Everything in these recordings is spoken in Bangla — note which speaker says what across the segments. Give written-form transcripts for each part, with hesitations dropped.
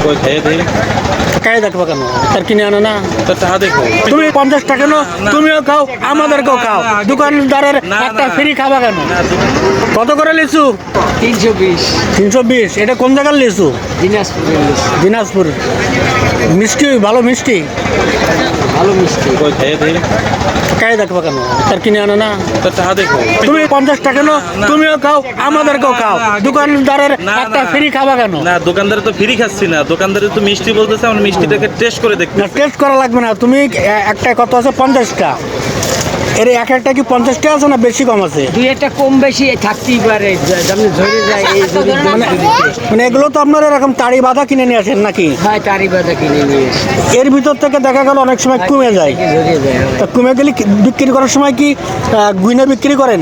Speaker 1: কই খাইয়ে দেই
Speaker 2: খাইয়ে দেখবো কেন? তার কিনে আনো না?
Speaker 1: তো টাকা দেখো
Speaker 2: তুমি 50 টাকা নো, তুমিও খাও আমাদেরকেও খাও, দোকানদারের একটা ফ্রি খাবা কেন? কত করে লিচু?
Speaker 3: 320।
Speaker 2: 320। এটা কোন জায়গার লিচু?
Speaker 3: দিনাজপুরের লিচু।
Speaker 2: দিনাজপুর। মিষ্টি, ভালো মিষ্টি।
Speaker 3: ভালো মিষ্টি।
Speaker 1: কই খাইয়ে দেই
Speaker 2: খাইয়ে দেখবো কেন? তার কিনে আনো না?
Speaker 1: তো টাকা দেখো
Speaker 2: তুমি 50 টাকা নো, তুমিও খাও আমাদেরকেও খাও, দোকানদারের একটা ফ্রি খাবা কেন?
Speaker 1: না, দোকানদারে তো ফ্রি খাচ্ছি না, দোকানদারে তো মিষ্টি বলতেছে, আমরা মিষ্টিটাকে টেস্ট করে দেখতে।
Speaker 2: না, টেস্ট করা লাগবে না। তুমি একটা কত আছে? 50টা। এর এক একটা কি 50টা আছে না বেশি কম আছে?
Speaker 3: দুই একটা কম বেশি থাকতেই পারে, যেমন ঝরে যায় এই
Speaker 2: মানে এগুলো তো আপনারা এরকম তাড়ি বাঁধা কিনে নিয়ে আসেন নাকি?
Speaker 3: হয় তারি বাজা কিনে নিয়ে এসে
Speaker 2: এর ভিতর থেকে দেখা গেল অনেক সময় কমে যায়।
Speaker 3: ঝরে যায়।
Speaker 2: তা কমে গেলে বিক্রি করার সময় কি গুইনা বিক্রি করেন?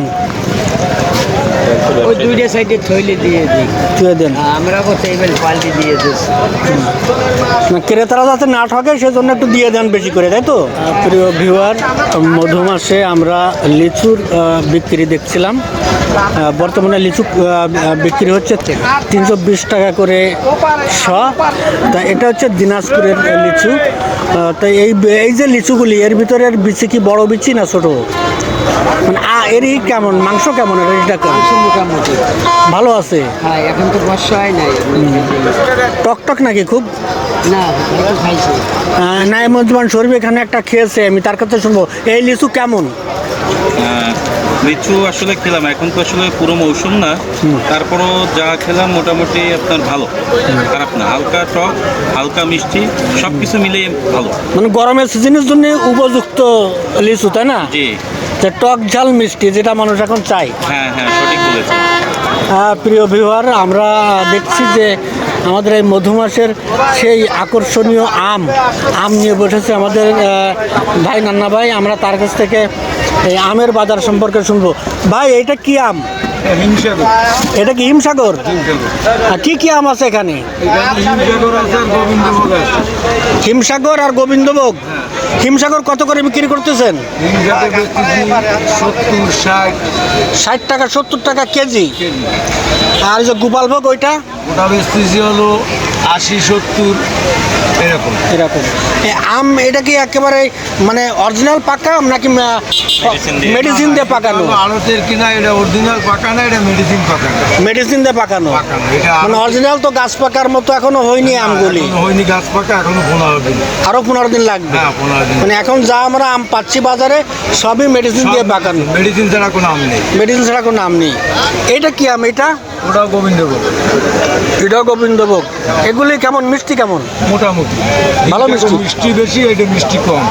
Speaker 3: ওই দুইটা সাইডে থইলে দিয়ে দিই,
Speaker 2: চুয়ে দেন
Speaker 3: আমরা করতে এবার পাল্টি দিয়ে দিচ্ছি।
Speaker 2: না, ক্রেতারা যাতে না ঠকে সেজন্য একটু দিয়ে দেন বেশি করে, তাই তো? প্রিয় ভিউয়ার, মধুমাসে আমরা লিচুর বিক্রি দেখছিলাম। বর্তমানে লিচু বিক্রি হচ্ছে 320 টাকা করে শ। তা এটা হচ্ছে দিনাজপুরের লিচু। তাই এই যে লিচুগুলি, এর ভিতরের বিচি কি বড় বিচি না ছোট? মানে এরই কেমন মাংস, কেমন এটা কেমন?
Speaker 3: মোটামুটি
Speaker 2: ভালো আছে।
Speaker 3: হ্যাঁ, এখন তো বর্ষা হয় নাই।
Speaker 2: টকটক নাকি খুব?
Speaker 3: না, একটু খাইছি।
Speaker 2: নাইমুজ্জামান শরীফ এখানে একটা খেয়েছে, আমি তার কাছে শুনবো এই লিচু কেমন।
Speaker 1: লিচু আসলে খেলাম, এখন তো আসলে পুরো মৌসুম না, তারপরও যা খেলাম মোটামুটি আপনার ভালো, খারাপ না, হালকা টক হালকা মিষ্টি সব কিছু মিলিয়ে ভালো।
Speaker 2: মানে গরমের সিজনের জন্য উপযুক্ত লিচু, তাই না?
Speaker 1: জি,
Speaker 2: যে টক ঝাল মিষ্টি যেটা মানুষ এখন চাই।
Speaker 1: হ্যাঁ হ্যাঁ, সঠিক বলেছেন।
Speaker 2: প্রিয় ভিউয়ার, আমরা দেখছি যে আমাদের এই মধুমাসের সেই আকর্ষণীয় আম নিয়ে বসেছে আমাদের ভাই, নান্না ভাই। আমরা তার কাছ থেকে এই আমের বাজার সম্পর্কে শুনবো। ভাই, এটা কি আম? এটা কি হিমসাগর? কি কি আম আছে এখানে? হিমসাগর আর গোবিন্দভোগ। হিমসাগর কত করে বিক্রি করতেছেন? 60 টাকা 70 টাকা কেজি। আর যে গোপালভোগ ওইটা?
Speaker 4: ওটা বেচতেছি হলো 80-70 এরকম।
Speaker 2: আম এটা কি একেবারে মানে অরিজিনাল পাকা আম নাকি মেডিসিন দিয়ে পাকানো?
Speaker 4: আড়তের কিনা, এটা অরিজিনাল পাকা না, এটা মেডিসিন পাকা না।
Speaker 2: মেডিসিন দিয়ে পাকানো।
Speaker 4: এটা
Speaker 2: মানে অরিজিনাল তো গাছ পাকার মতো এখনো হয়নি আমগুলি।
Speaker 4: এখনো হয়নি গাছ পাকা, এখনো 15 দিন।
Speaker 2: আরো 15 দিন লাগবে।
Speaker 4: হ্যাঁ, 15 দিন।
Speaker 2: মানে এখন যা আমরা আম পাচ্ছি বাজারে সবই মেডিসিন দিয়ে পাকানো।
Speaker 4: মেডিসিন ছাড়া কোনো আম নেই।
Speaker 2: মেডিসিন ছাড়া কোনো আম নেই। এটা কি আম? এটা
Speaker 4: ওটাও গোবিন্দভোগ।
Speaker 2: এটাও গোবিন্দভোগ। এগুলি কেমন মিষ্টি কেমন?
Speaker 4: মোটামুটি
Speaker 2: ভালো মিষ্টি।
Speaker 4: মিষ্টি বেশি, এটা মিষ্টি কম।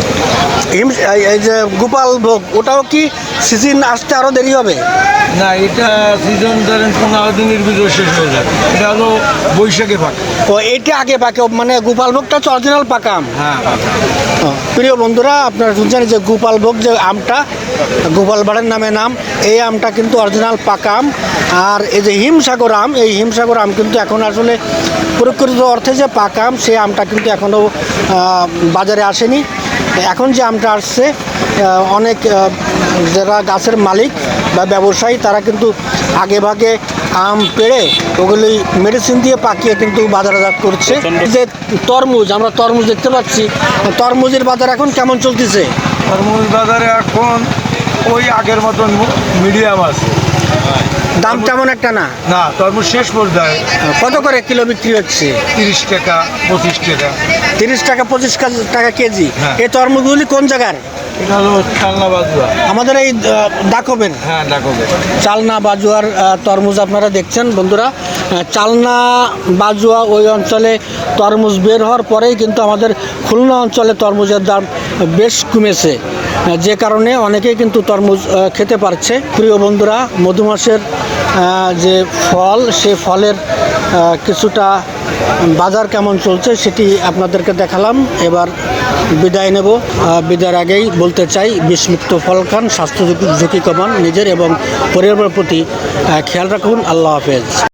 Speaker 2: এই যে গোপালভোগ, ওটাও কি সিজন আসতে আরো দেরি হবে?
Speaker 4: না, এটা সিজন ধরেন 15 দিনের ভিতরে শেষ হয়ে যাবে। এটা হলো বৈশাখে পাকে।
Speaker 2: ও, এটা আগে পাকে, মানে গোপালভোগটা হচ্ছে অরিজিনাল পাকা আম।
Speaker 4: হ্যাঁ, পাকা।
Speaker 2: প্রিয় বন্ধুরা, আপনারা শুনছেন যে গোপালভোগ যে আমটা, গোপাল ভাড়ের নামে নাম, এই আমটা কিন্তু অরিজিনাল পাকা আম। আর এই যে হিমসাগর আম, এই হিমসাগর আম কিন্তু এখন আসলে প্রকৃত অর্থে যে পাকা আম, সেই আমটা কিন্তু এখনও বাজারে আসেনি। এখন যে আমটা আসছে, অনেক যারা গাছের মালিক বা ব্যবসায়ী তারা কিন্তু আগে ভাগে আম পেড়ে ওগুলি মেডিসিন দিয়ে পাকিয়ে কিন্তু বাজারজাত করছে। যে তরমুজ, আমরা তরমুজ দেখতে পাচ্ছি, তরমুজের বাজার এখন কেমন চলতেছে?
Speaker 4: তরমুজ বাজারে এখন ওই আগের মতন মিডিয়াম আছে,
Speaker 2: দাম তেমন একটা না।
Speaker 4: না, তরমুজ শেষ পর্যায়ে।
Speaker 2: কত করে কিলো বিক্রি হচ্ছে?
Speaker 4: 30 টাকা 25 টাকা।
Speaker 2: 30 টাকা 25 টাকা কেজি।
Speaker 4: হ্যাঁ।
Speaker 2: এই তরমুজগুলি কোন জায়গার?
Speaker 4: এটা হলো চালনা বাজুয়া।
Speaker 2: আমাদের এই ডাকবেন।
Speaker 4: হ্যাঁ, ডাকবে।
Speaker 2: চালনা বাজুয়ার তরমুজ আপনারা দেখছেন বন্ধুরা। চালনা বাজুয়া ওই অঞ্চলে তরমুজ বের হওয়ার পরেই কিন্তু আমাদের খুলনা অঞ্চলে তরমুজের দাম বেশ কমেছে, যে কারণে অনেকেই কিন্তু তরমুজ খেতে পারছে। প্রিয় বন্ধুরা, মধুমাসের যে ফল, সে ফলের কিছুটা বাজার কেমন চলছে সেটি আপনাদেরকে দেখালাম। এবার বিদায় নেব। বিদায়ের আগেই বলতে চাই, বিষমুক্ত ফল খান, স্বাস্থ্য ঝুঁকি কমান, নিজের এবং পরিবারের প্রতি খেয়াল রাখুন। আল্লাহ হাফেজ।